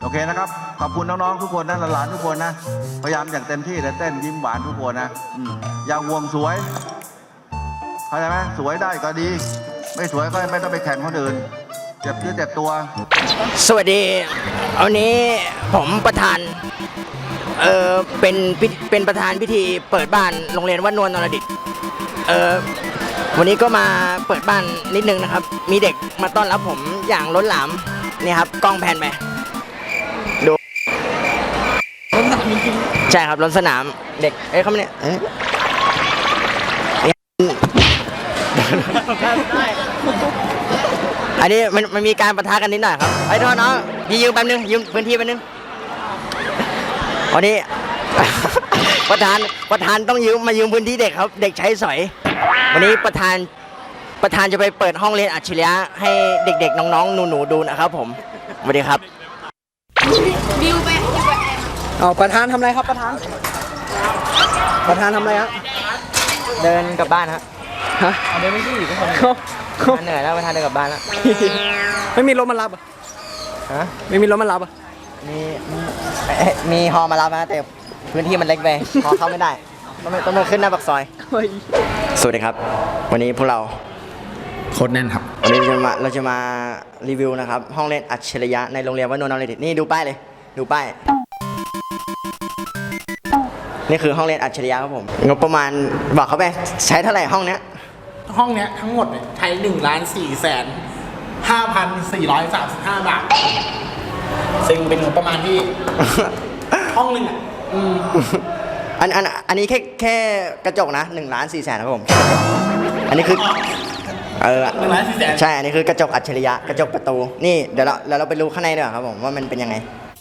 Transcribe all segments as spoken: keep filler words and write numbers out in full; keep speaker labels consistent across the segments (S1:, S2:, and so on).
S1: อเคนะครับขอบคุณน้องๆทุกคนนะหลานๆทุกคนนะพยายามอย่างเต็มที่เลยเต้นยิ้มหวานทุกคนนะอย่าห่วงสวยเข้าใจไหมสวยได้ก็ดีไม่สวยก็ไม่ต้องไปแข่งคนอื่นเจ็บเนื้อเจ็บตัว
S2: สวัสดีวันนี้ผมประธานเออเป็นเป็นประธานพิธีเปิดบ้านโรงเรียนวัดนวลนรดิตเออวันนี้ก็มาเปิดบ้านนิดนึงนะครับมีเด็กมาต้อนรับผมอย่างล้นหลามนี่ครับกล้องแพนไปดูล้นสนามจริงใช่ครับล้นสนามเด็กเอ้ยเขาเนี่ยอันนี้มันมันมีการปะทะกันนิดหน่อยครับไอ้น้องน้องยืมแป๊บนึงยืมพื้นที่แป๊บนึงวันนี้ ประธานประธานต้องยืมมายืมพื้นที่เด็กครับเด็กใช้สอยวันนี้ประธานประธานจะไปเปิดห้องเรียนอัจฉริยะให้เด็กๆน้องๆหนูๆดูนะครับผมสวัสดีครับ
S3: บิวไปบิวไป
S4: เอาประธานทำอะไรครับประธานประธานทำอะไรฮะ
S2: เดินกลับบ้านฮะ
S4: ฮะ
S2: เดินไม่ดีทุกคนเหนื่อยแล้วประธานเดินกลับบ้านแล้ว
S4: ไม่มีรถมารับอ่ะ
S2: ฮะ
S4: ไม่มีรถมารับอ่ะ
S2: มีมีฮอมารับนะแต่พื้นที่มันเล็กไปฮอเข้าไม่ได้ต้องต้องมาขึ้นหน้าปากซอยสวัสดีครับวันนี้พวกเรา
S4: โคตรแน่นครับ
S2: วันนี้เราจะมาเราจะมารีวิวนะครับห้องเรียนอัจฉริยะในโรงเรียนวัดนวลนรดิตนี่ดูป้ายเลยดูป้ายนี่คือห้องเรียนอัจฉริยะครับผมงบประมาณบอกเขาไปใช้เท่าไหร่ห้องเนี้ย
S5: ห้องเนี้ยทั้งหมดใช้หนึ่งล้านสี่แสนห้าพันสี่ร้อยสามสิบห้าบาทซึ่งเป็นงบประมาณที่ ห้องหนึ่งอ่ะ
S2: อันอันอันนี้แค่แค่กระจกนะหนึ่งล้านสี่แสนครับผมอันนี้คือเออ
S5: หนึ่งล้านสี่แสน
S2: ใช่อันนี้คือกระจกอัจฉริยะกระจกประตูนี่เดี๋ยวเราแล้วเราไปดูข้างในดีกว่าครับผมว่ามันเป็นยังไง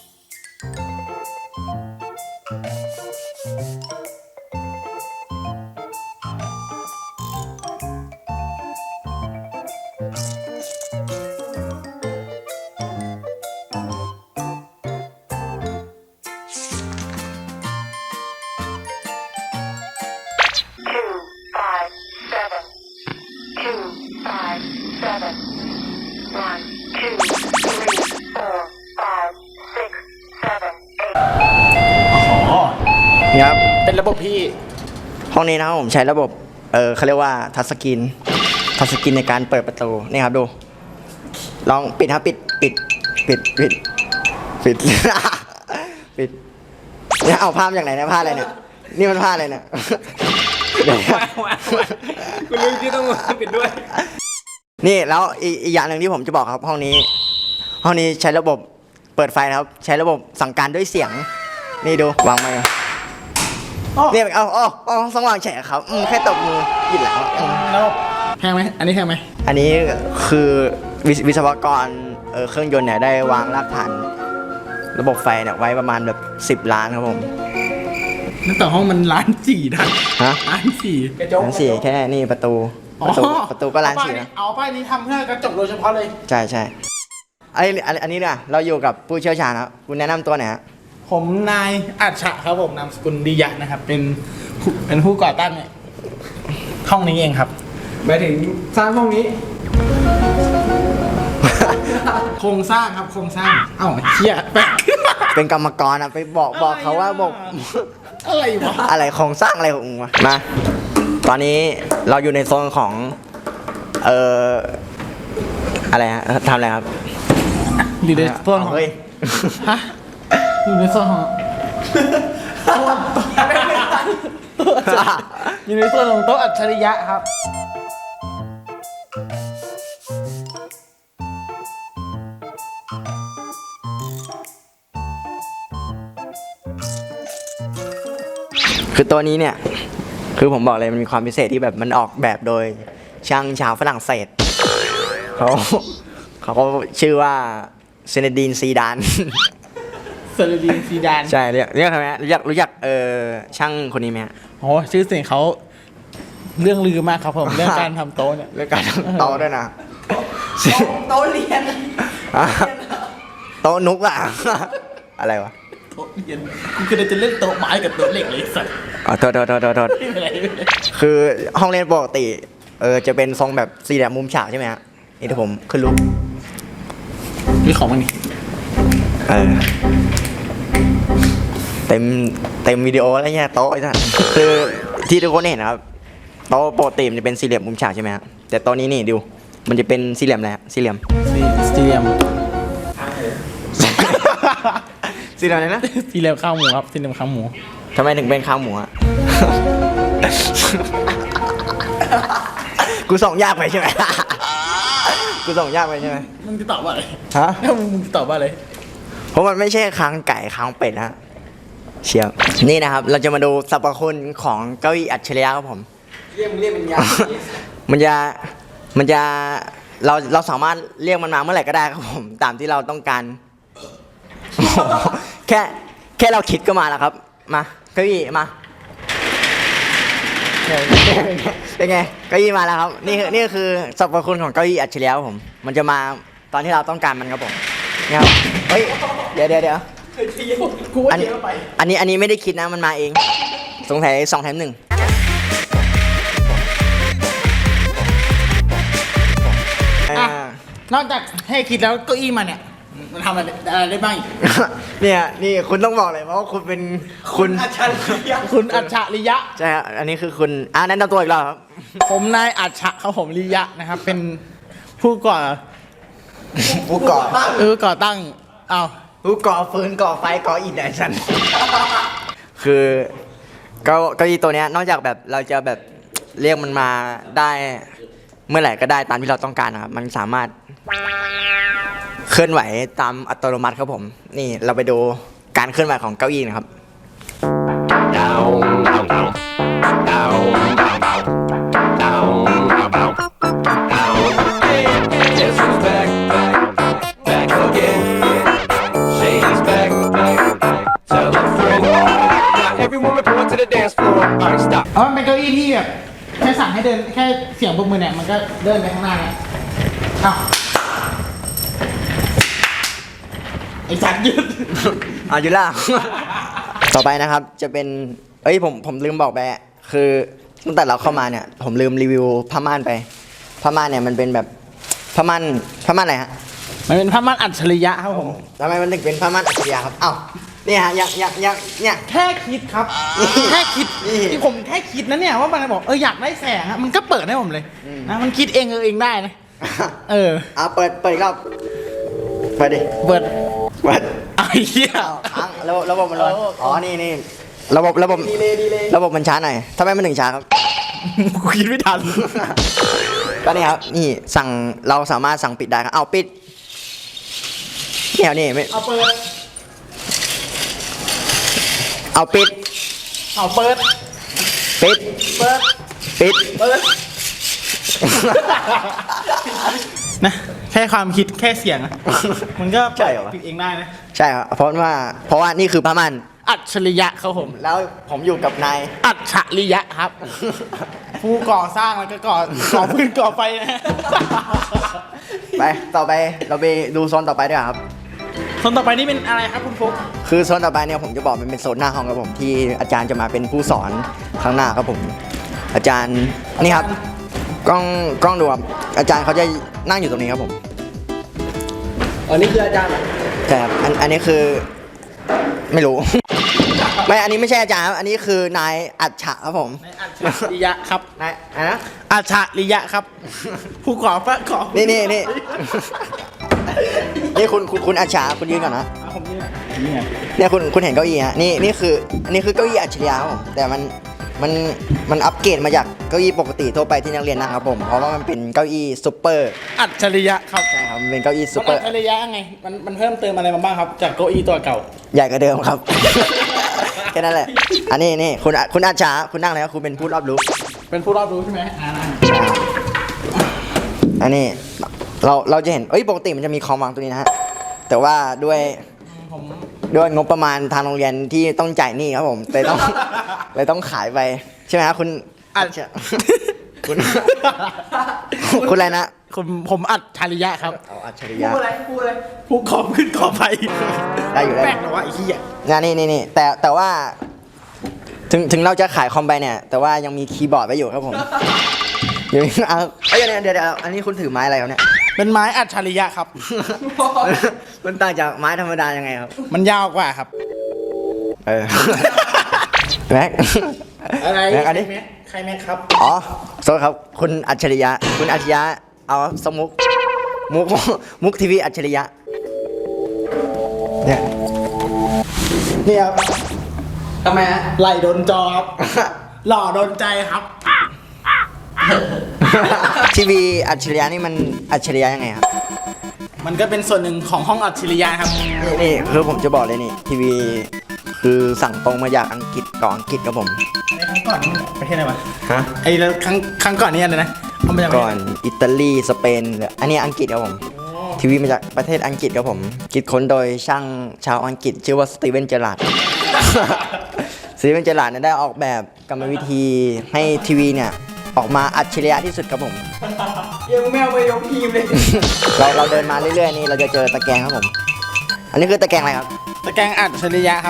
S2: นี่ครับ
S5: เป็นระบบพี่
S2: ห้องนี้นะครับผมใช้ระบบเออเขาเรียกว่าทัชสกรีนทัชสกรีนในการเปิดประตูนี่ครับดูลองปิดครับปิดปิดปิดปิดปิดปิดเนี่ยเอาผ้ามาจากไหนเนี่ยผ้าอะไรเนี่ยนี่มันผ้าอะไรเนี่ย
S5: คุณลุงที่ต้องปิดด้วย
S2: นี่แล้วอีกอย่างหนึ่งที่ผมจะบอกครับห้องนี้ห้องนี้ใช้ระบบเปิดไฟครับใช้ระบบสั่งการด้วยเสียงนี่ดูวางไมค์เนี่ยเอาอ๋ออ๋อสว่างแฉะครับแค่ตบมือยินแล้ว
S5: แล้วแพงไหมอันนี้แพงไหม
S2: อันนี้คือวิศวกรเออเครื่องยนต์เนี่ยได้วางรากฐานระบบไฟเนี่ยไว้ประมาณแบบสิบล้านครับผม
S5: นั่นแต่ห้องมันล้านสี่นะ
S2: ฮะ
S5: ล้านสี่
S2: กระจกล้านสี่แค่นี่ประตูประตูประตูก็ล้านสี่นะ
S5: เอาป้ายนี้ทำเพื่อกระจกโดยเฉพาะเลย
S2: ใช่ใช่ไออันนี้เนี่ยเราอยู่กับผู้เชี่ยวชาญครับคุณแนะนำตัวหน่อยฮะ
S5: ผมนายอัจฉะครับผมนามสกุลดิยะนะครับเป็นเป็นผู้ก่อตั้งห้องนี้เองครับ
S4: หมายถึงสร้างห้องนี้
S5: โครงสร้างครับโครงสร้างเอ้าเชี่ยแปะ
S2: เป็นกรรมกรอ่ะไปบอกบอกเขาว่าบอก
S5: อะไรวะ
S2: อะไรโครงสร้างอะไรของมึงวะมาตอนนี้เราอยู่ในโซนของเอ่ออะไรฮะทำอะไรครับ
S5: อยู่ในโซนของ
S2: เฮ้ย
S5: ฮะอยู่ในโซนของอยู่ในโซนของโต๊ะอัจฉริยะครับ
S2: คือตัวนี้เนี่ยคือผมบอกเลยมันมีความพิเศษที่แบบมันออกแบบโดยช่างชาวฝรั่งเศสเขาเขาก็ชื่อว่าเซเนดีนซีดาน
S5: เซเนดีนซีดาน
S2: ใช่เรียกเรียกใครไหมรู้จักรู้จักเออช่างคนนี้ไหมฮะ
S5: โอ้ชื่อเสียงเขาเรื่องลือมากครับผมเรื่องการทำโต๊ะเนี่ย
S2: เรื่องการทำโต๊ะด้วยนะ
S5: โต๊ะเรียน
S2: โต๊ะนุกอะอะไรวะ
S5: โต๊ะเรียนกูคือจะเล่นโต๊ะไม้กับโต๊ะเหล็กเลยสัส
S2: อ๋อโทษโทษโทษโทษคือห้องเรียนปกติเออจะเป็นทรงแบบสี่เหลี่ยมมุมฉากใช่ไหมฮะนี่ที่ผมขึ้นรูป
S5: นี่ของมันนี่
S2: เออเต็มเต็มวิดีโอแล้วเนี่ยโต๊ะไอ้ท่านคือที่ทุกคนเห็นนะครับโต๊ะปกติมันจะเป็นสี่เหลี่ยมมุมฉากใช่ไหมครับแต่โต๊ะนี้นี่ดูมันจะเป็นสี่เหลี่ยมอะไรครับสี่เหลี่ยม
S5: สี่เหลี่ยม
S2: สี่เหลี่ยมอะไรนะ
S5: สี่เหลี่ยมข้าวหมูครับสี่เหลี่ยมข้าวหมู
S2: ทำไมถึงเป็นข้าวหมูอะ กูส่งยากไปใช่ไหม กูส่งยากไปใช่ไหม
S5: มึงจะตอบว่าอะไร
S2: ฮะ
S5: มึงจะตอบว่าอะไร
S2: เพราะมันไม่ใช่ค้างไก่ค้างเป็ดนะเชียวนี่นะครับ เราจะมาดูสรรพคุณของเก้าอี้อัจฉริยะครับผม
S4: เรียกมึงเรียกเป็นยา
S2: มันจะมันจะเราเราสามารถเรียกมันมาเมื่อไหร่ก็ได้ครับผมตามที่เราต้องการ แค่แค่เราคิดก็มาแล้วครับมาเก้าอี้มาเป็นไงเก้าอี้มาแล้วครับนี่คือนี่คือสรรพคุณของเก้าอี้อัจฉริยะครับผม มันจะมาตอนที่เราต้องการมันครับผมเนี่ยครับเฮ้ยเดี๋ยวเดี๋ยวเดี๋ยว
S5: กูว่า
S2: อัน
S5: เจ๊ก็ไป
S2: อันนี้อันนี้ไม่ได้คิดนะมันมาเอง สงสัยสองแถมหนึ่งอ่า
S5: นอกจากให้คิดแล้วเก้าอี้มาเนี่ย มันทำอะไรอะไรได้บ้างอีก
S2: เนี่ยนี่คุณต้องบอกเลยเพราะว่าคุณเป็นคุณ
S5: อัจฉริยะคุณอัจฉริยะ
S2: ใช่ครับอันนี้คือคุณอ่าแนะนำตัวอีกแล้วครับ
S5: ผมนายอัจฉะครับผมริยะนะครับ เป็นผู้ก่อ
S2: ผู้ก่อ
S5: เออก่อตั้งอ้าว
S2: ผู้ก่อฟืนก่อไฟก่ออิฐไอ้ฉัน คือเก้าเก้าอี้ตัวเนี้ยนอกจากแบบเราจะแบบเรียกมันมาได้เมื่อไหร่ก็ได้ตามที่เราต้องการนะครับมันสามารถเคลื่อนไหวตามอัตโนมัติครับผม นี่เราไปดูการเคลื่อนไหวของเก้าอี้นะครับ
S6: Down, down, down. Down, down, down. Down, down, down. Down. Guess who's back, back, back again? Shady's back, back, back. Tell a friend. Now everyone report to the dance floor. Alright, stop.
S5: เพราะมันเป็นเก้าอี้ที่แบบแค่สั่งให้เดินแค่เสียงปรบมือเนี่ยมันก็เดินไปข้างหน้าเนี่ยอ้าวไอ้สัตว์หยุด
S2: อายุล่า ต่อไปนะครับจะเป็นเอ้ยผมผมลืมบอกไปอะคือตั้งแต่เราเข้ามาเนี่ย ผมลืมรีวิวผ้าม่านไปผ้าม่านเนี่ยมันเป็นแบบผ้าม่านผ้าม่านอะไรฮะ
S5: มันเป็นผ้าม่านอัจฉริยะครับผม
S2: ทำไมมันถึงเป็นผ้าม่านอัจฉริยะครับเอ้าเนี่ยฮะยังยังยังเนี่ย
S5: แค่คิดครับ แค่คิด
S2: นี่
S5: ที่ผมแค่คิดนะเนี่ยว่ามันบอกเอออยากได้แสงอะมันก็เปิดให้ผมเลยนะมันคิดเองเออเองได้นะเออ
S2: อ่ะเปิดเปิดอีกรอบเปิดดิ
S5: เปิด
S2: เปิด
S5: ไอ้เหี้ย
S2: ค้างระบบระบบมันร้อนอ๋อนี่นี่ระบบระบบระบบมันช้าหน่อยทำไมมันถึงช้าครับ
S5: กูคิดไม่ทัน
S2: ก็นี่ครับนี่สั่งเราสามารถสั่งปิดได้ครับเอาปิดเนี่ยนี่ไม่
S5: เอาเปิด
S2: เอาปิด
S5: เอาเปิด
S2: ปิด
S5: เปิด
S2: ปิด
S5: เปิด นะแค่ความคิดแค่เสียงอะมันก็
S2: ใช่เหรอวะ
S5: ปิดเองได้นะ
S2: ใช่ครับเพราะว่าเพราะว่านี่คือผ้าม่าน
S5: อัจฉริยะครับผม
S2: แล้วผมอยู่กับนาย
S5: อัจฉริยะครับ ผู้ก่อสร้างแล้วก็ก่อก่อพื้นก่อไฟนะ
S2: ไปต่อไปเราไปดูโซนต่อไปดีกว่าครับ
S5: คนต่อไปนี่เป็นอะไรครับคุณฟุ๊ก
S2: คือโซนต่อไปเนี่ยผมจะบอกมันเป็นโซนหน้าห้องครับผมที่อาจารย์จะมาเป็นผู้สอนข้างหน้าครับผม อาจารย์นี่ครับกล้องกล้องดูครับอาจารย์เขาจะนั่งอยู่ตรงนี้ครับผม
S4: อ๋อนี่คืออาจารย์เหรอ
S2: ใช่ครับอันอันนี้คือไม่รู้ ไม่อันนี้ไม่ใช่อาจารย์ครับอันนี้คือนายอัจฉะครับผม
S5: ในอัจฉริยะครับ
S2: นายอะไรนะ
S5: อัจฉริยะครับ ผู้ก่อพระก่อ
S2: นี่นี่นี่ นี่คุณคุณคุณอัจฉะคุณยืนก่อนนะ
S5: อ่ะผมนี่นี่ไง
S2: เนี่ยคุณคุณเห็นเก้าอี้ฮะนี่นี่คืออันนี้คือเก้าอี้อัจฉริยะครับผมแต่มันมันมันอัปเกรดมาจากเก้าอี้ปกติทั่วไปที่นักเรียนนั่งครับผมเพราะว่ามันเป็นเก้าอี้ซุปเปอร์
S5: อัจฉริยะครับ
S2: ใช่ครับมันเป็นเก้าอี้ซุ
S5: มั
S2: ป
S5: น
S2: เปอ
S5: อั
S2: ร์
S5: จฉริยะไงมันมันเพิ่มเติมอะไรมาบ้างครับ จากเก้าอี้ตัวเก่า
S2: ใหญ่กว่าเดิมครับ แค่นั้นแหละอันนี้นี่คุณคุณอาจารย์คุณนั่งเลยครับคุณเป็นผู้รอบรู้
S5: เป็นผู้รอบรู้ใช่ไหมอ่านะ
S2: อันนี้เราเราจะเห็นเอ้ยปกติมันจะมีคอมวางตรงนี้นะฮะแต่ว่าด้วย
S5: ผม
S2: ด้วยงบประมาณทางโรงเรียนที่ต้องจ่ายหนี้ครับผมเลยต้อง เลยต้องขายไปใช่ไหมครับคุณ
S5: อัจ
S2: คุณ คุณอะไรนะ
S5: ผมผมอัจฉริยะครับ
S2: เอาอัจฉริ
S4: พู
S2: ยะ
S4: ดอะไรพูดอะไร
S5: ผู้ก่อพื้นก่อไฟ
S2: ได้อยู่ได้
S5: แปลกนะว่าไอ้เหี้ย
S2: นะนี่นี่นี่แต่แต่ว่า ถึงถึงเราจะขายคอมไปเนี่ย แต่ว่ายังมีคีย์บอร์ดไว้อยู่ครับผม เดี๋ยวเอาเอ้ยเดี๋ยวเดี๋ยวเดี๋ยวอันนี้คุณถือไม้อะไรครับเนี่ย
S5: เป็นไม้อัจฉริยะครับ
S2: มันต่างจากไม้ธรรมดายังไงครับ
S5: มันยาวกว่าครับ
S2: เออ แม็ก
S5: อะไร
S2: แม็กอันนี้
S5: ใครแม็กใครแม็กครับ
S2: อ๋อโทษครับ คุณอัจฉริยะ คุณอัจฉริยะ เอาสมุก มุก มุกทีวีอัจฉริยะ เนี่ย
S5: เนี่ยครับ
S2: ทำไมฮะ
S5: ไหลโดนจอครับ หล่อโดนใจครับ
S2: ทีวีอัจฉริยะนี่มันอัจฉริยะยังไงครับ
S5: มันก็เป็นส่วนหนึ่งของห้องอัจฉริยะครับ
S2: นี่นี่คือผมจะบอกเลยนี่ ทีวีคือสั่งตรงมาจากอังกฤษก่อนอังกฤษครับผม
S5: ในครั้งก่อนนี่ประเทศอะไรวะ
S2: ฮะ
S5: ไอ้แล้วครั้งครั้งก่อนนี่อะไรนะเอามาจากประเทศ
S2: ก่อนอิตาลีสเปนอันนี้อังกฤษครับผม ทีวีมาจากประเทศอังกฤษครับผม คิดค้นโดยช่างชาวอังกฤษชื่อว่าสตีเวนเจอราร์ด สตีเวนเจอราร์ดเนี่ยได้ออกแบบกรรมวิธีให้ทีวีเนี่ยออกมาอัจฉริยะที่สุดครับผม
S4: ยังไม่เอาไปยกทีมเลย
S2: เราเราเดินมาเรื่อยๆนี่เราจะเจอตะแกรงครับผม อันนี้คือตะแกรงอะไรครับ
S5: ตะแกรงอัจฉริยะครับ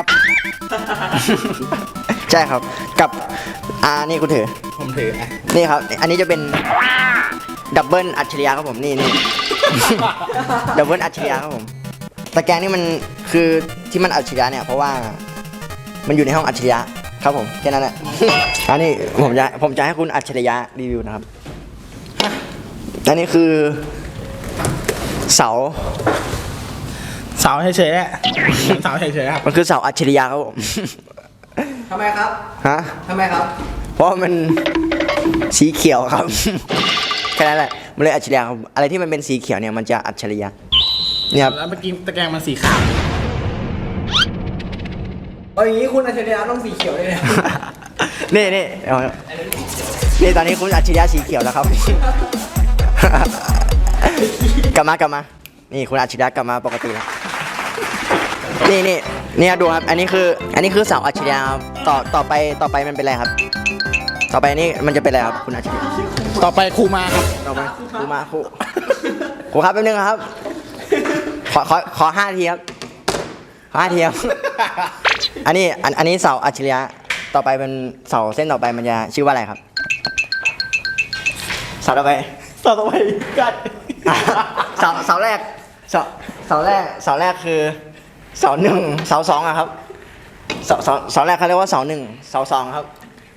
S2: ใช่ครับ กับอ่านี่กูถือ
S5: ผมถืออ่ะ
S2: นี่ครับ อันนี้จะเป็นดับเบิลอัจฉริยะครับผม นี่นี่ ดับเบิลอัจฉริยะครับผม ตะแกรงนี่มันคือที่มันอัจฉริยะเนี่ยเพราะว่ามันอยู่ในห้องอัจฉริยะครับผมแค่นั้นแหละ อันนี้ผมจะผมจะให้คุณอัจฉริยะรีวิวนะครับ อันนี้คือเสา
S5: เสาเฉยๆอะเสาเฉยๆครับ
S2: มันคือเสาอัจฉริยะครับผม
S4: ทำไมครับ
S2: ฮะ
S4: ทำไมครับ
S2: เพราะมันสีเขียวครับ แค่นั้นแหละมันเลยอัจฉริยะครับอะไรที่มันเป็นสีเขียวเนี่ยมันจะอัจฉริยะเนี่ยครับ
S5: แล้วเมื่อกี้ตะแกรงมันสีขาว
S4: เอาอย่างนี้คุณอัจฉริยะต้องสีเขียวเลยเนี่ย
S2: นี่นี่เอานี่ตอนนี้คุณอัจฉริยะสีเขียวแล้วครับ กลับมากลับมา นี่คุณอัจฉริยะกลับมาปกติแล้ว นี่นี่นี่ครับดูครับ อันนี้คือ อันนี้คือเสาอัจฉริยะครับต่อต่อไปต่อไปมันเป็นอะไรครับ ต่อไปนี่มันจะเป็นอะไรครับคุณอัจฉริยะ
S5: ต่อไปครูมาครับ
S2: ต่อไปครูมาครูครูครับแป๊บนึงครับ ขอขอขอห้าทีครับขอห้าทีครับ อันนี้อันอันนี้เสาอัจฉริยะต่อไปเป็นเสาเส้นต่อไปมันจะชื่อว่าอะไรครับเสาต่อไป
S5: เสาต่อไปกัน
S2: เสาเสาแรกเสาเสาแรกเสาแรกคือเสาหนึ่งเสาสองอะครับเสาเสาเสาแรกเขาเรียกว่าเสาหนึ่งเสาสองครับ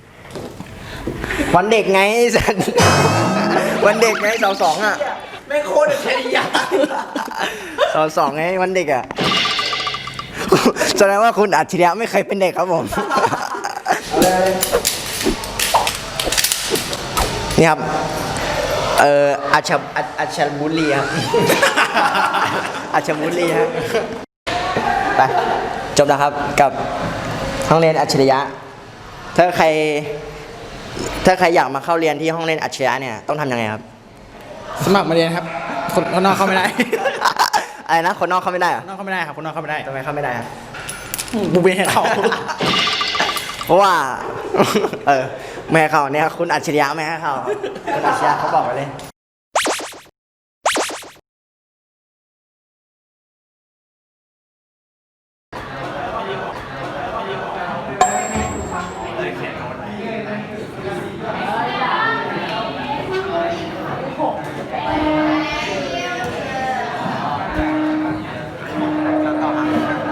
S2: วันเด็กไงสัน วันเด็กไงเสาสองอะ
S4: ไม่โคตรอัจฉริยะ
S2: เสาสองไงวันเด็กอะแสดงว่าคุณอัจฉริยะไม่เคยเป็นเด็กครับผม นี่ครับ เอ่ออัจฉอัจอัจฉบุรีครับ อัจฉบุรีฮะไปจบแล้วครับกับห้องเรียนอัจฉริยะ ถ้าใคร ถ้าใครอยากมาเข้าเรียนที่ห้องเรียนอัจฉริยะเนี่ยต้องทำยังไงครับ
S5: สมัครมาเรียนครับ คนคนนอกเข้าไม่ได้
S2: อะไรนะคนนอกเข้าไม่ได้เหรอ
S5: คนนอกเข้าไม่ได้ครับ คนนอกเข้าไม่ได้
S2: ทำไมเข้าไม่ได้ครับ
S5: บูเบให้เขา
S2: เพราะว่า เออไม่ให้เข้าเนี่ยคุณอัจฉริยะไม่ให้เข้าคุณอัจฉริยะเขาบอกไว้เลย